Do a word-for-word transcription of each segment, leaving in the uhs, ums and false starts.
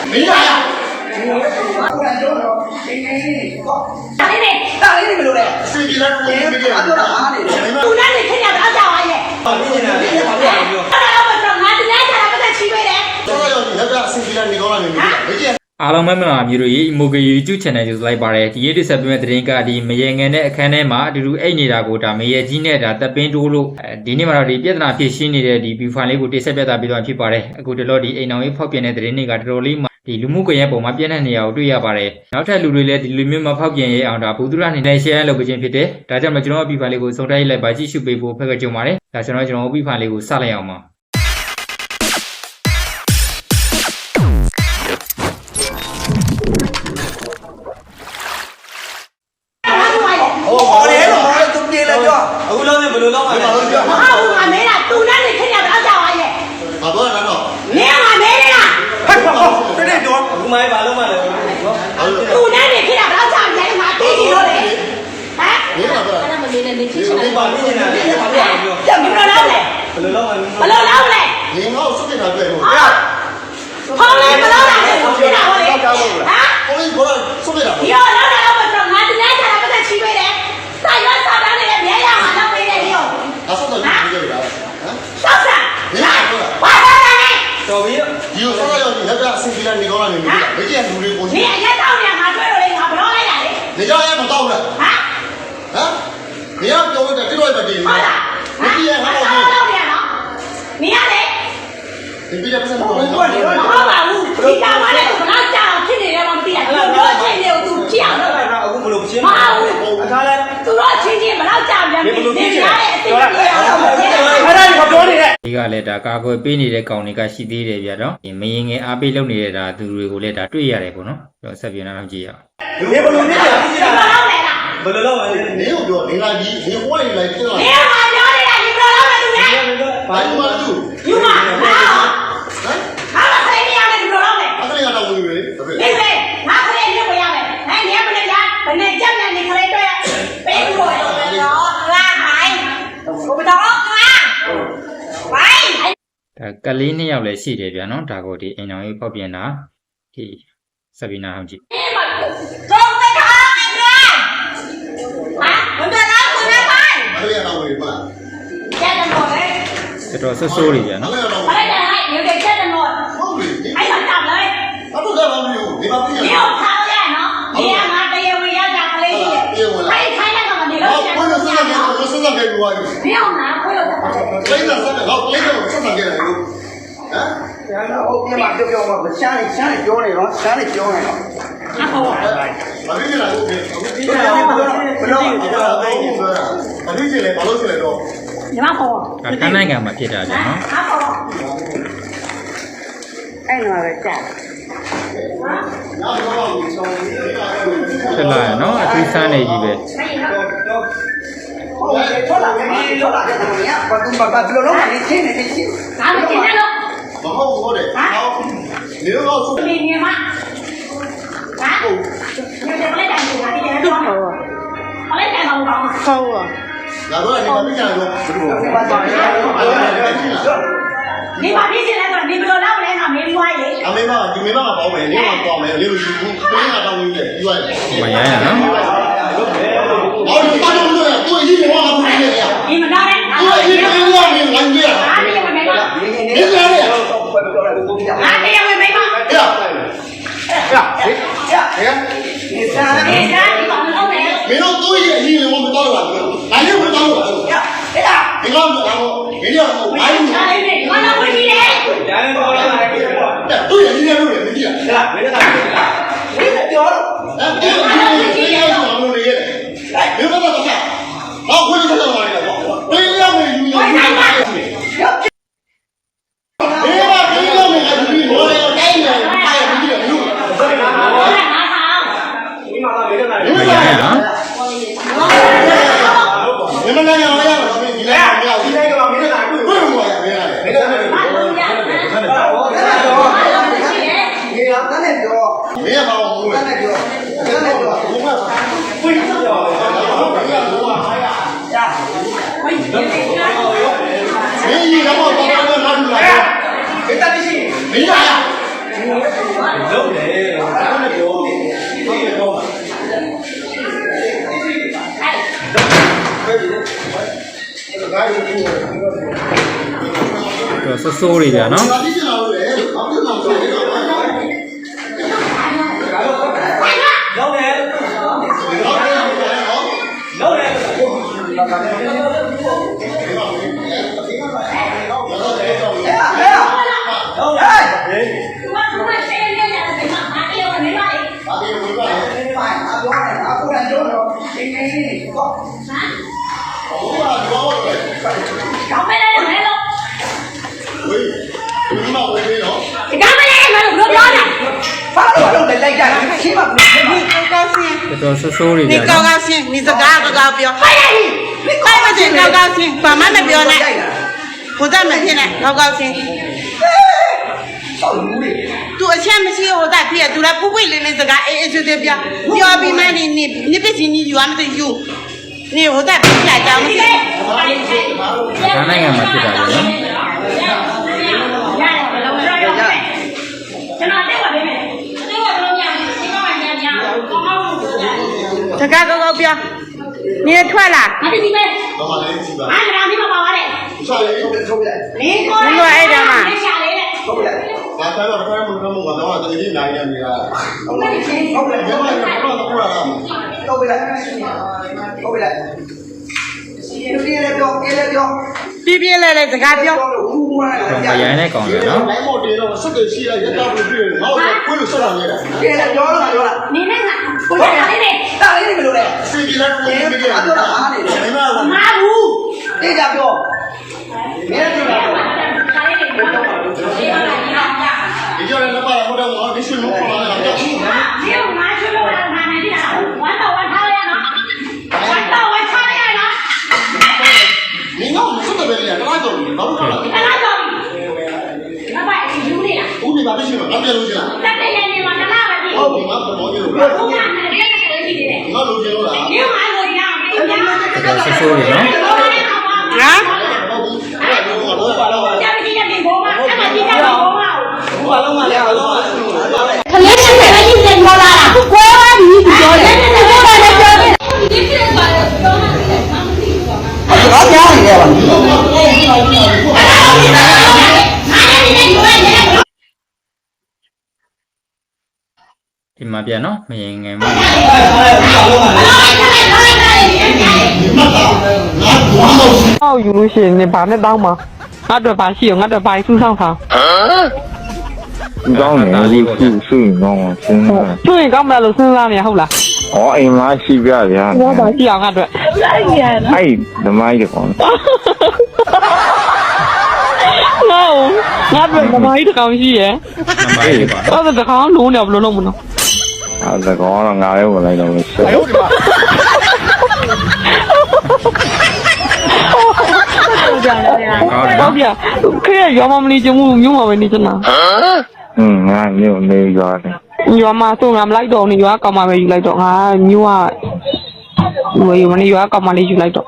没啥呀。 大玲玲， 大玲玲没有嘞。谁给他说没给他？ 都让你看见不要讲话耶。 啊，你现在你现在跑多少秒？ 后来我说，俺这两天不在七月嘞。 多少要你那个谁给他？你搞了没？没见。 အားလုံးပဲမလားမျိုးတို့ရေမိုကေ YouTube channel ကိုလိုက်ပါတယ်ဒီနေ့တစ်ဆက်ပြမဲ့သတင်းကဒီမရေငယ်နဲ့အခန်းထဲမှာအတူတူအိတ်နေတာကိုဒါမရေကြီးနဲ့ဒါတပ်ပင်းတိုးလို့ဒီနေ့မှာတော့ဒီပြဿနာဖြစ်ရှင်းနေတဲ့ဒီ view file လေးကိုတိဆက်ပြသပေးသွားဖြစ်ပါတယ်အခုတလို့ဒီအိမ်အောင်ရေးဖောက်ပြန်တဲ့သတင်းတွေကတော်တော်လေးမှာဒီလူမှုကွန်ရက်ပေါ်မှာပြန့်နှံ့နေရအောင်တွေ့ရပါတယ်နောက်ထပ်လူတွေလည်းဒီလူမျိုးမှာဖောက်ပြန်ရေးအောင်ဒါဘူသူရအနေနဲ့ share လုပ်ပေးခြင်းဖြစ်တယ်ဒါကြောင့်မကျွန်တော် view file လေးကိုစုံတိုက်လိုက်ပါကြည့်ရှုပေးဖို့ဖက်ကကြုံပါတယ်ဒါကျွန်တော်ကျွန်တော် view file လေးကိုစလိုက်အောင်ပါအခုလုံးနဲ့ဘယ်လိုလုပ်မှာလဲဟာဦးငါမဲလားသူနဲ့နေခင်ဗျာတော့ကြောက်ပါရဲ့ဘာပြောရတော့မင်းကမဲလားဟဲ့ဟောတဲ့တဲ့တော့အခုမှဘာလုပ်မှာလဲနော်သူနဲ့နေခင်ဗျာတော့ကြောက်တယ်ငါသိနေလို့လေဟမ်မင်းကပြောအဲ့ဒါမလေးနဲ့နေချစ်ချင်ဒီတယ်ပါနေနေတာလေဘာလို့ပြောပြတ်မလို့လားလေဘယ်လိုလုပ်မှာလဲဘလို့လားလေ你好，是给他对不？ ဟာဟောလေဘလို့လားလေသူဖြစ်တာဟောလေဟမ်我跟你说了，是给他。 ဒီတော့တော့တော့မတော်ငါတရားချတာပတ်သက်ချီးပေးတယ်စာရွက်စာတမ်းတွေလည်းမြဲရမှာတော့ပေးတယ်ဒီကို他说的你不对的，啊？ စောက်စာ你哪说的？ ဘာသာလဲတော်ပြီ你有说要你那个谁给他？你搞了没？没见努力过နေ去。 အရက်တောင်းနေငါတွေ့လို့လေငါဘလို့လိုက်တာလေ你家也不到了， ဟမ်啊？你要叫我在这边把地， ဟုတ်လား你毕业还ဘာ好လို့လောက်နေရနော်နေရလေ你毕业不是好မဟုတ်ပါဘူးဒီကောင်ကလည်းဘလောက်ကြောင်ဖြစ်နေတယ်မသိရဘူးတို့ချင်းတွေကိုသူကြည့်အောင်လုပ်အဲ့ဒါအခုဘယ်လိုရှင်းမဟုတ်ဘူးအခါလဲသူတို့ချင်းချင်းဘလောက်ကြောင်ပြန်နေနေရတဲ့အသိအမြင်အောင်လုပ်တယ်အဲ့ဒါကိုပြောနေတယ်ဒီကလည်းဒါကာကွယ်ပေးနေတဲ့ကောင်တွေကရှိသေးတယ်ဗျာတော့ဒီမရင်ငယ်အားပေးလုပ်နေတဲ့ဒါသူတွေကိုလည်းဒါတွေ့ရတယ်ပေါ့နော်ကျွန်တော်ဆက်ပြနေတာကြည့်ရအောင်ဒီဘယ်လိုနေလဲဘလောက်လဲလားဘယ်လိုလုပ်မှာလဲ你有ပြော你来你你换你来进来နေ，မှာပြောနေတာဒီဘလောက်လဲသူလဲ把你妈住， ယူမှာဟာ啊？ ဟာမဆိုင်နေရတယ်ဒီဘလောက်လဲ他这里干到我以为，对不နေ对？ လေငါခလေးမြုပ်ရမယ်ဟဲ့နေမနေကြဘယ်နဲ့ကြောက်နေနေခလေးတွေ့ပေးဖို့တော့ငါဟိုင်ဘုတော်ငါဟိုင်ဒါကလေးနှစ်ယောက်လည်းရှိတယ်ဗျာနော်ဒါကိုဒီအိမ်အောင်ရေးဖောက်ပြန်တာဒီဆက်ပြနာအောင်ကြည့်นี่มันตรงไปทางไอ้เนี่ยฮะมันจะรับคุณได้ไหม他这里干到我以为嘛？ แจ้งตำรวจเลยတော်တော်ဆိုးဆိုးတွေဗျာ他နော်这里干到我ไม่ได้ให้เดี๋ยวเด็กแจ้งตำรวจ好嘞， ให้มันจับเลย他不干嘛没有？你把毕业เดี๋ยวเท้าแย่เนาะเดี๋ยวมาเตียววิยาจากทะเลที่ให้ใช้ได้ก่อนเดี๋ยว好， เราจะ我这身上给我身上给我， เดี๋ยวนะคุยกับ勒着身上，好，勒着我身上给他有，啊？ ဟုတ်ပြန်ပါပြောပြောမှာရှမ်းနေရှမ်းနေပြောနေတော့ရှမ်းနေပြောနေတော့อ่ะโห把这个来我给， ဒီကဘယ်လိုဘယ်လို把这个来，把这个来着。 ညီမဟောဒါခန်းနိုင်ငံမှာဖြစ်တာဗျာနော်ဟာဟောအဲ့တော့ပဲကြာဖြစ်လာရနော်အထူးဆန်းနေကြီးပဲဟုတ်လားမင်းလောက်လာတဲ့ကောင်ကဘာသူဘာဘယ်လိုလုပ်မှာလဲချင်းနေချင်းငါမကျင်နဲ့လို့然后我的，好，你那个是。 มีเมียมั้ยฮะเดี๋ยวเดี๋ยวไม่ได้แต่งงานที่จะต้องเขาเขาเล่นแต่งงานเขาอ่ะ哪个你把这个来着？ 你把这些来说，你不要让我来上没关系。 啊，没办法，就没办法保美，你往保美，你有辛苦，不应该当医院医院。 မရရနော်好，你大众对，对，一米往哪不是这样？ 你们那嘞？ 对，一米往哪没拦截？ 哪里有没吗？ 没拦截。 哪里有没吗？ 哎呀， 哎呀哎呀哎呀你三你看你把门弄没？ 没到对一米我们到了，哪里会到我？ 呀，这个。 你看我，然后没这样，我还有。 哪里没？我那回去嘞。 ညာနေတော့လာတယ်对，你这路也没地。 ဟဲ့လားမင်းကတာမင်းကပြောတော့哎，这个你你要是往路里的，哎，没办法怎么办？好，回去他就往里头，对呀，没有有有。没吧，对呀，没还是比我那个改呢，他也不记得有。 我来拿糖。 ဒီမှာလာမင်းကတာ你မ们ရ来ရနော်你们来讲来讲，你来讲， ဒီ你လို来ကမင်းကတာတွေ့为什么呀？没来。 မင်းကတာတွေ့我不要。 ဒီကတန်းနဲ့ပြော没有把我误တန်း会。 နဲ့ပြောတန်းနဲ့ပြော不会吧？会ပြောတယ်။ဘာလို့လဲ။ဟာရ။ရ။မင်းကြီးတော့ဘာလို့လဲငါ့လူလာ။ဒီတက်ရှိမင်းလာရ။လုံးဆိုးဆိုးတွေဗျာနော်ဘာဖြစ်နေလို့လဲဘာဖြစ်နေလို့လဲလုံးတယ်လုံးတယ်搞没来就没了， ဝေးဒီမှာဝေးနေတော့你搞没来就没了，不要了。 ဘာလို့လုံးတယ်လိုက်ကြရှင်းပါဘူး你高兴， တော်တော်ဆိုးဆိုးတွေ你ဗျာ高နော်高兴，你这嘎个高标， 快点， 快不进高高兴，把妈妈标来，不在门前来，高高兴。 ဆောက်လူတွေ多钱没钱我在别，都来不会的那这个哎哎就这边，标比买的你你别信你原的有，你我在别来讲不行。 ဒါနိုင်ငံမှာဖြစ်တာဗျာနော်ကျွန်တော်တက်ပါပေးမယ်တက်ပါတော့ပြန်ဒီကောင်ကပြန်ပြန်ကောင်းကောင်းလို့这嘎高高标，你也穿了， ငါဒီဒီပဲဘာမှလည်းကြည့်ပါငါကလည်းဒီမှာပါပါတယ်ဆောက်ရေးထုတ်ထုတ်လိုက်လင်းကိုလိုက်ရှာလေးတဲ့ထုတ်လိုက်ဘာသာတော့ဖဲမှုကမှုကတော့တကယ်ကြီးနိုင်နေနေတာဟုတ်ကဲ့ရှင်ဟုတ်တယ်ဘယ်မှာတော့တော့ပြောတာထုတ်လိုက်ထုတ်လိုက်လူတွေလည်းပြောအေးလည်းပြော别别来来这嘎标， ပြောလို့ဘူးဘူးလားတော့မရိုင်းတဲ့ကောင်ဗျာနော်နိုင်မို့တေတော့ဆက်တယ်ရှိရရက်တော့ပြည့်ငါ့ကိုကိုယ်လို့ဆက်လာနေတာအေးလည်းပြောလို့ပြောလားနေနဲ့ကကိုယ်ကလေးနဲ့တာလေးတွေဘယ်လိုလဲစီကြီးလည်းကိုယ်ပြီးတယ်အပြောတာအားနေတယ်ဒီမှာကမဘူးတေးကြပြောမင်းတို့ကခါလေးနဲ့ပြောတော့ဒီမှာလာကြတာဒီကြောင့်လည်းပါတော့တော့ဒီရှင်လို့ခေါ်လာတာတော့ဟာဒီကငါရှိလို့လာနေနေတာဝမ်းတော့ဝမ်းထားရနော်ဝမ်းတော့ဝမ်းထားရနော်你那我们说的别的，那都老多了。 အဲ့ဒါတော့ငါပါယူနေတာ我你把这些拿别路去了， တက်တဲ့နေမှာတလားပါကြည့်好，你妈不着急了， ဘုရားနဲ့လည်းလည်းရှိနေတယ်你那路去了啦。 ဒီမှာလို့ရအောင်ပြပြတော်တော်ဆိုးဆိုးတွေနော်啊， ကြာပြီကြာပြီဘောမအဲ့မှာဒီကဘောမဘူးဘာလုံးမလဲဘာလုံးမလဲပြောတယ်ခလေးရှိတယ်ကြီးစင်ပေါ်လာတာကိုယ်ကဒီပြောတယ်နဲ့နဲ့ပြောတယ်ပြောတယ်ဒီပြပါတော့ပြောမှတယ်ဘာပြောနေလဲဘာဒီမှာဗျာနော်မရင်ငယ်မှာအောက်ယူလို့ရှိရင်နေဘာနဲ့တောင်းမှာငါတို့ဘာရှိရောငါတို့ဘာစုဆောင်ထားကောင်းတယ်ခုစုရင်ကောင်းအောင်စဉ်းစားကျွရင်ကောင်းမလားလို့စဉ်းစားနေရဟုတ်လား။ဩအိမ်မရှိပြဗျာငါဘာရှိအောင်ငါတို့။အဲ့ဓမ္မကြီးကောင်းငါငါတို့ဘာကြီးတကောင်ရှိရယ်နံပါတ်လေးပါအဲ့ဒါတကောင်လုံးနေဘယ်လိုလုပ်မလို့။အဲ့ဒါကောင်းတော့ငါလည်းဝင်လိုက်တော့မရှိ哎呦我的妈！ ဟုတ်ကြတယ်ကောင်းတယ်ဟုနော်တ်ပြခေရရောမမလေးချင်မှုမျိုးမှာပဲနေချင်တာ။ဟင်းငါမျိုးနေကြတယ်ရောမဆိုငါမလိုက်တော့နေရောကောင်မပဲယူလိုက်တော့ငါမျိုးကဝေးမနေရောကောင်မလေးယူလိုက်တော့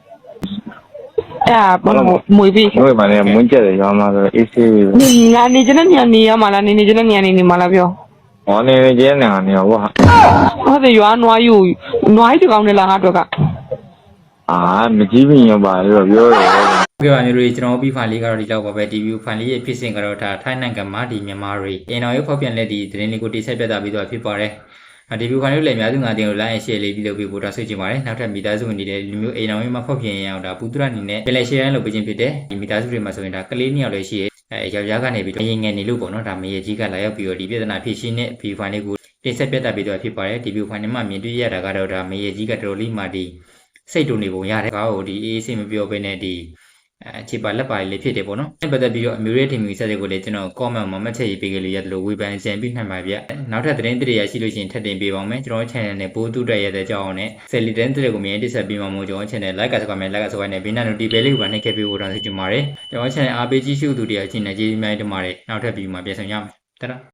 အဲ့ဘာမွေပြီး။တို့မှလည်းမွန်းကျက်တယ်ရောမှဆိုအေးဆေးပဲငါနေချင်တဲ့ညနေရမှာလားနေနေချင်တဲ့ညနေနေမှာလားပြော။ဟောနေနေကျင်းနေတာနေဟောဟုတ်တယ်ရွာနွားယူနွားကြီးတကောင်နဲ့လားငါတို့က။အာမကြည့်ပြင်ရောပါလို့ပြောတယ်ဟုတ်ကဲ့ပါမျိုးတွေကျွန်တော်ပြီးဖိုင်လေးကတော့ဒီလောက်ပါပဲဒီဗီဖိုင်လေးရဲ့ဖြစ်စဉ်ကတော့ဒါထိုင်းနိုင်ငံမှာဒီမြန်မာတွေအင်တော်ရုပ်ဖောက်ပြန်လက်ဒီသတင်းလေးကိုတိဆက်ပြသပြီးတော့ဖြစ်ပါတယ်ဒီဗီဖိုင်လေးလည်းအများစုငါတင်ကို like and share လေးပြီးလုပ်ပြီးပို့တာဆွေးချင်ပါတယ်နောက်ထပ်မိသားစုဝင်တွေလူမျိုးအိမ်တော်ရုံမှာဖောက်ပြန်ရအောင်ဒါပူတရအနေနဲ့ပြန်လဲ share လုပ်ပေးခြင်းဖြစ်တယ်ဒီမိသားစုတွေမှာဆိုရင်ဒါကလေးနှစ်ယောက်လည်းရှိရဲအဲယောက်ျားကနေပြီးတော့ငယ်ငယ်နေလို့ပေါ့နော်ဒါမရေကြီးကလာရောက်ပြီးတော့ဒီပြဿနာဖြစ်ရှင်းတဲ့ဗီဖိုင်လေးကိုတိဆက်ပြသပြီးတော့ဖြစ်ပါတယ်ဒီဗီဖိုင်လေးမှာမြင်တွေ့ရတာကတော့ဒါမရေကြီးကတော်တော်လေးမှဒီစိတ်တူနေပုံရတယ်ကားကိုဒီအေးအေးစိတ်မပြောဘဲနဲ့ဒီအဲခြေပါလက်ပါလေးဖြစ်တယ်ပေါ့နော်အဲ့ပတ်သက်ပြီးတော့အမျိုးရဲ့ထင်မြင်ဆက်တွေကိုလည်းကျွန်တော် comment မှာမှတ်ချက်ရေးပေးကြလို့ရတယ်လို့ဝေဖန်စံပြီးနိုင်ပါဗျနောက်ထပ်သတင်းတွေရရှိလို့ရှိရင်ထပ်တင်ပေးပါမယ်ကျွန်တော် channel နဲ့ပိုးတူတက်ရတဲ့ကြောင်းနဲ့ဆယ်လီသတင်းတွေကိုမြင်တိဆက်ပြီးမှမို့ကျွန်တော် channel like ကစကွာမယ် like ကစကွာနဲ့ဘေးနာ notification လေးကိုပါနှိပ်ခဲ့ပေးဖို့တောင်းဆိုချင်ပါတယ်ကျွန်တော် channel အားပေးကြည့်ရှုသူတွေအချင်းနဲ့ကျေးဇူးများတင်ပါတယ်နောက်ထပ်ဗီဒီယိုမှာပြန်ဆောင်ရမယ်တဒါ